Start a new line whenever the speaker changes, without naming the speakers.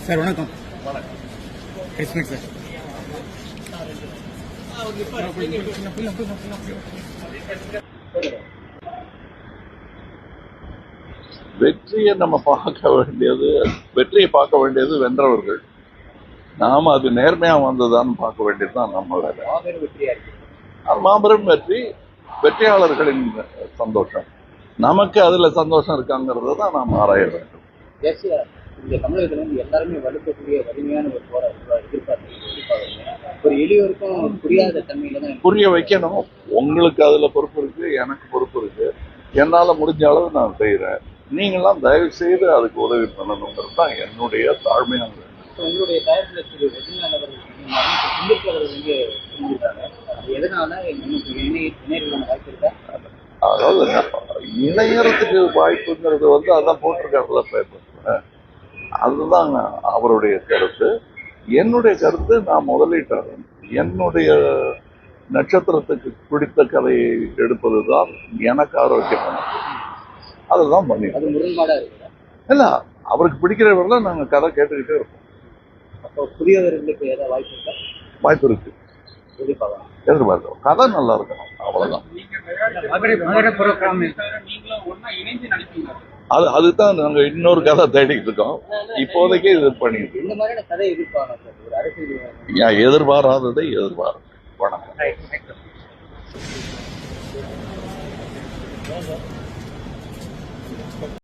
Sir வணக்கம். எஸ்மிக் sir.
வெற்றியை நம்ம பார்க்க வேண்டியது, வெற்றியை பார்க்க வேண்டியது வென்றவர்கள். நாம அது நேர்மையா வந்ததான்னு பார்க்க வேண்டியதுதான் நம்ம வேலை. மாபெரும் வெற்றி, வெற்றியாளர்களின் சந்தோஷம். நமக்கு அதுல சந்தோஷம் இருக்காங்கிறத தான் நாம் ஆராய வேண்டும்.
இந்த தமிழகத்துல வந்து எல்லாருமே வலுக்கக்கூடிய வலிமையான ஒரு ஒரு எளியோருக்கும் புரியாத தன்மையில தான்
புரிய வைக்கணும். உங்களுக்கு அதுல பொறுப்பு இருக்கு, எனக்கு பொறுப்பு இருக்கு. என்னால முடிஞ்ச அளவு நான் செய்யறேன். நீங்களாம் தயவு செய்து அதுக்கு உதவி பண்ணணுங்கிறது தான் என்னுடைய தாழ்மையான வேண்டும்.
உங்களுடைய தயாரிப்பில் திரு ரஜினிகாந்த் அவர்கள் வந்து செஞ்சிருக்காங்க. அது எதனால இணையர்களான வாய்ப்பு இருக்கா?
அதாவது இணையறதுக்கு வாய்ப்புங்கிறது வந்து அதான் போட்டிருக்காருல பேப்பர்ல. அதுதான் அவருடைய கருத்து. என்னுடைய கருத்து, நான் முதலீட்டாளர். என்னுடைய நட்சத்திரத்துக்கு பிடித்த கதையை எடுப்பதுதான் எனக்கு ஆரோக்கியமானது. அதுதான் பண்ணி.
அது முரண்பாடா இருக்குதா?
இல்ல, அவருக்கு பிடிக்கிறவர்கள நாங்க கதை கேட்டுக்கிட்டே இருப்போம்.
அப்போ புதியவர்களுக்கு ஏதாவது வாய்ப்பு இருக்கா?
வாய்ப்பு இருக்கு, எதிர்பார்க்கிறோம். கதை நல்லா இருக்கணும், அவ்வளவுதான். அதுதான் நாங்க இன்னொரு கதை தேடிட்டு இருக்கோம். இப்போதைக்கு இது பண்ணிட்டு எதிர்பாராததை எதிர்பார்க்க. வணக்கம்.